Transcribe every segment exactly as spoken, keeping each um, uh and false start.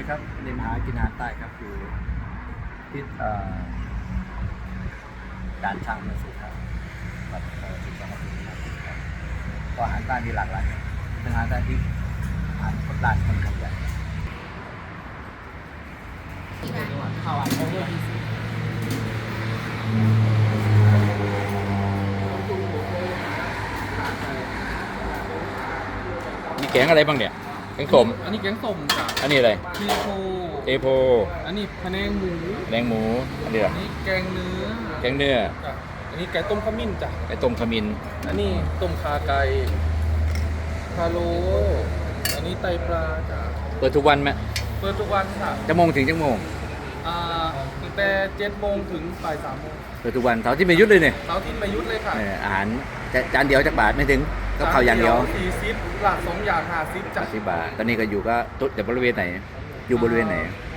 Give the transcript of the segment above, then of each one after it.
ดีครับเรียนหากินอาหารใต้ครับอยู่ที่ด่านช่างมาสุดครับแบบสุดจังหวัดสุรินทร์ครับก็อาหารใต้มีหลากหลายเป็นอาหารใต้ที่อาหารคนด่านคนขยันข้าวอันโอเวอร์ดีซีมีแกงอะไรบ้างเนี่ยแกงส้มอันนี้แกงส้มจ้ะอันนี้อะไรเทโพเทโพอันนี้พะแนงหมูแดงหมูอันนี้อะไรอันนี้แกงเนื้อแกงเนื้อจ้ะอันนี้ไก่ต้มขมิ้นจ้ะไก่ต้มขมิ้นอันนี้ต้มขาไก่พะโล้อันนี้ไตปลาจ้ะเปิดทุกวันไหมเปิดทุกวันค่ะจะโมงถึงจะโมงอ่าตั้งแต่เจ็ดโมงถึงบ่ายสามโมงเปิดทุกวันเสาร์ที่ไม่หยุดเลยเนี่ยเสาร์อาทิตย์ไม่หยุดเลยค่ะเอออาหารจะจานเดียวจักบาทไม่ถึงก็ข้าวอย่างเดียวสี่สิบหลักสองอย่างห้าสิบจ้ะสิบบาทตอนนี้ก็อยู่ก็ตุ๊ดแต่บริเวณไหน อยู่บริเวณไหน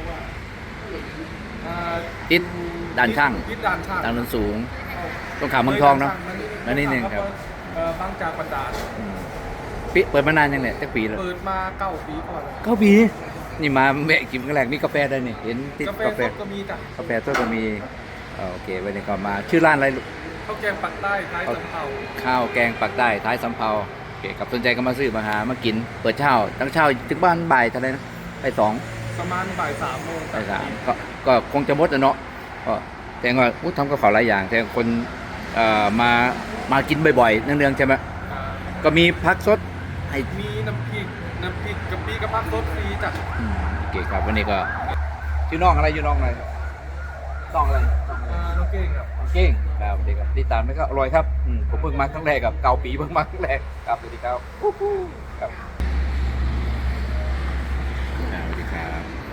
อ่าติดด่านช่างติดด่านช่างด่านนนสูงต้องขามเมืองทองเนาะนั่นนิดนึงครับเอ่อบางจากบันดาลอืมปิเปิดมานานยังเนี่ยจักปีแล้วเปิดมาเก้าปีก่อนแล้วเก้าปีนี่มาแม่กินครั้งแรกมีกาแฟด้วยนี่เห็นติดกาแฟกาแฟสดก็มีจ้ะกาแฟต้นก็มีเอ่อโอเควันนี้ก็มาชื่อร้านอะไรลูกข้าวแกงปักใต้ท้ายสำเภาข้าวแกงปักใต้ท้ายสำเภาโอเคกับสนใจก็มาซื้อมาหามากินเปิดเช้าตั้งเช้าถึงบ้านบ่ายเท่าไหรนะไปสองประมาณบ่ายสามโมงไปสามก็ก็คงจะหมดอะเนาะก็แต่ว่าอู้ทำกับข้าวหลายอย่าง แต่คนเอ่อมามากินบ่อยๆเนืองๆใช่ไหมอ่าก็มีพักสดให้มีน้ำพริกน้ำพริกกะปิกระพักรสฟรีจ้ะอืมโอเคครับวันนี้ก็ชื่อน้องอะไรชื่อน้องอะไรน้องอะไรอ่าน้องเก่งครับเก่งครับเด็กครับติดตามไหมครับอร่อยครับอืมผมเพิ่งมาครั้งแรกกับเกาปีเพิ่งมาครั้งแรกครับสวัสดีครับครับอ่าสวัสดีครับ